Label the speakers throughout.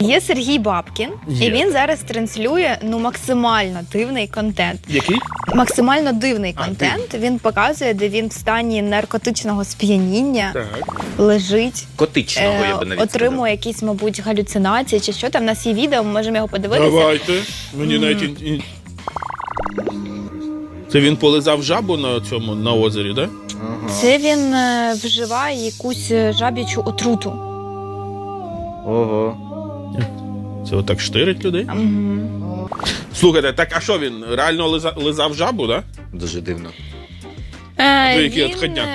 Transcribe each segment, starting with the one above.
Speaker 1: Є Сергій Бабкін,
Speaker 2: Є.
Speaker 1: і він зараз транслює максимально дивний контент.
Speaker 2: Який?
Speaker 1: Максимально дивний контент. Він показує, де він в стані наркотичного сп'яніння
Speaker 2: Так.
Speaker 1: лежить,
Speaker 3: Котичного, я би навіть
Speaker 1: отримує якісь, мабуть, галюцинації чи що там. У нас є відео, ми можемо його подивитися.
Speaker 2: Давайте. Мені навіть... Це він полизав жабу на озері, так? Да?
Speaker 1: Це він вживає якусь жаб'ячу отруту.
Speaker 3: Ого.
Speaker 2: Це отак штирить людей? Слухайте, так а що він? Реально лизав жабу, так? Да?
Speaker 3: Дуже дивно.
Speaker 2: То який отходняк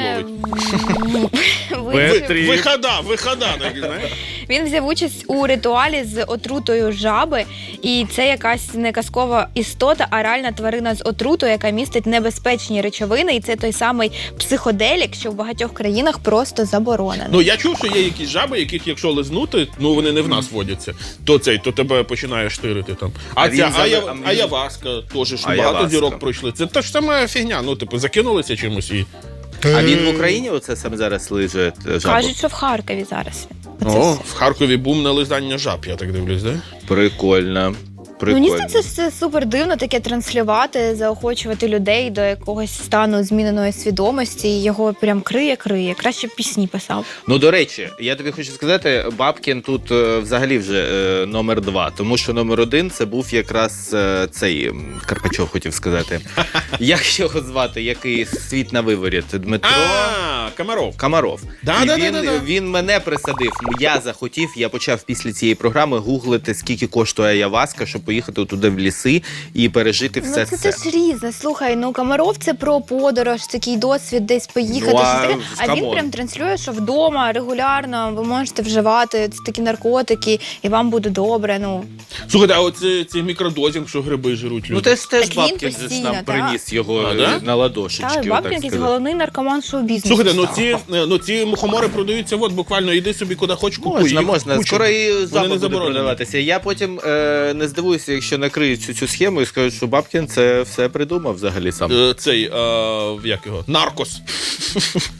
Speaker 2: ловить? Вихода, так, знаєш?
Speaker 1: Він взяв участь у ритуалі з отрутою жаби, і це якась не казкова істота, а реальна тварина з отрутою, яка містить небезпечні речовини, і це той самий психоделік, що в багатьох країнах просто заборонено.
Speaker 2: Ну, я чув, що є якісь жаби, яких якщо лизнути, ну вони не в нас водяться, то тебе починає штирити там. А ця аяваска, теж ж багато зірок пройшли. Це та ж сама фігня, ну, типу, закинулися чимось і...
Speaker 3: А він в Україні оце саме зараз лиже жабу?
Speaker 1: Кажуть, що в Харкові зараз.
Speaker 2: О, в Харкові бум на лизання жаб, я так дивлюсь, да?
Speaker 3: Прикольно.
Speaker 1: Мені здається, це супер дивно таке транслювати, заохочувати людей до якогось стану зміненої свідомості, і його прям криє. Краще б пісні писав.
Speaker 3: Ну, до речі, я тобі хочу сказати, Бабкін тут взагалі вже номер 2, тому що номер 1 це був якраз цей Карпачов, хотів сказати. Як його звати, який світ на виворіт? Дмитро? Комаров. Він мене присадив, я захотів, я почав після цієї програми гуглити, скільки коштує аяваска, щоб поїхати туди в ліси і пережити все це.
Speaker 1: Це ж різне. Слухай, Комаров це про подорож, такий досвід десь поїхати. А він прям транслює, що вдома регулярно ви можете вживати такі наркотики, і вам буде добре.
Speaker 2: Слухайте, а оце цей мікродозінг, що гриби жируть люди?
Speaker 3: Ну теж Бабкін нам приніс його на ладошечки.
Speaker 1: Так, Бабкін якийсь головний наркоман шоу-бізнесу.
Speaker 2: Слухайте, ці мухомори продаються, от буквально йди собі куди хоч купуй.
Speaker 3: Можна. Скоро і запах буде продаватися. Я потім не здивуюся, якщо накриють цю схему і скажуть, що Бабкін це все придумав взагалі сам.
Speaker 2: Як його? Наркос.